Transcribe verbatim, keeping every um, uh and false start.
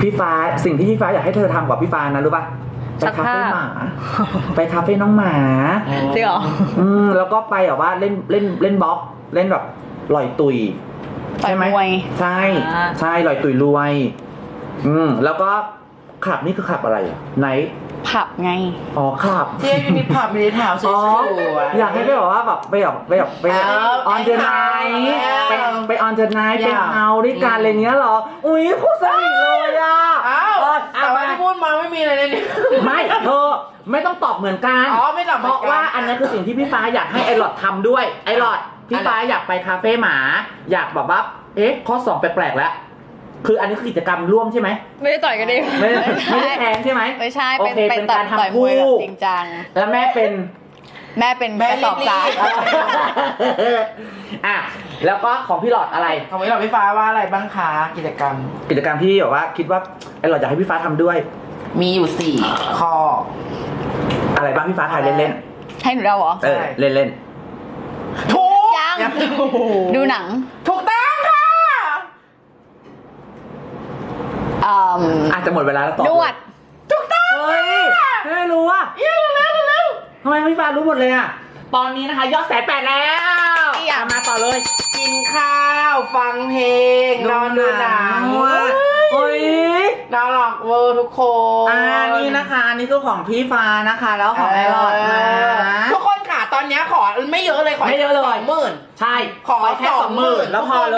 พี่ฟ้าสิ่งที่พี่ฟ้าอยากให้เธอทำกับพี่ฟ้านะรู้ป่ะไปคาเฟ่หมาไปคาเฟ่น้องหมาจริงเหรออืมแล้วก็ไปแบบว่าเล่นเล่นเล่นบล็อกเล่นแบบลอยตุยใช่ไหมใช่ใช่ลอยตุยรวยอืมแล้วก็ขับนี่คือขับอะไรอ่ะไหนผับไงอ๋อขับที่ยูนิผับมีแถวสวยๆอยากให้ไปแบบว่าแบบไปแบบไปแบบไปออนเดอร์ไนท์ไปไปออนเดอร์ไนท์ไปเฮาด้วยกันอะไรเงี้ยหรออุ้ยคู่สนิทเลยอ่ะอ้าวแต่ว่าที่พูดมาไม่มีอะไรในนี้ไม่เธอไม่ต้องตอบเหมือนกันอ๋อไม่ตอบเพราะว่าอันนี้คือสิ่งที่พี่ฟ้าอยากให้ไอหลอดทำด้วยไอหลอดพี่ฟ้าอยากไปคาเฟ่หมาอยากแบบว่าเอ๊ะข้อสองแปลกๆแล้วคืออันนี้คือกิจกรรมร่วมใช่ไหมไม่ได้ต่อยกันดิไม่ไม่ได้แทงใช่ไหมไม่ใช่โอเคเป็นการทำคู่จริงจังแล้วแม่เป็นแม่เป็นกระสอบทรายอ่ะแล้วก็ของพี่หลอดอะไรของพี่หลอดพี่ฟ้าว่าอะไรบ้างคะกิจกรรมกิจกรรมที่แบบว่าคิดว่าไอหลอดอยากให้พี่ฟ้าทำด้วยมีอยู่สี่ข้ออะไรบ้างพี่ฟ้าทายเล่นๆให้หนูเดาเหรอเออเล่นๆถูกยังดูหนังถูกต้องค่ะอาจจะหมดเวลาแล้วตอบนวดถูกต้องเฮ้ยไม่รู้อ่ะเร็วเร็วเร็วทำไมพี่ฟ้ารู้หมดเลยอ่ะตอนนี้นะคะยอดแสนแปดแล้วอย่ามาต่อเลยกินข้าวฟังเพลงนอนดูหนังเฮ้ยน่ารักเวอร์ทุกคนอ่านี่นะคะอันนี้คือของพี่ฟ้านะคะแล้วของไอรอดนะทุกคนค่ะตอนนี้ขอไม่เยอะเลยขอไม่เยอะเลยสองหมื่นใช่ขอแค่สองหมื่นแล้วพอ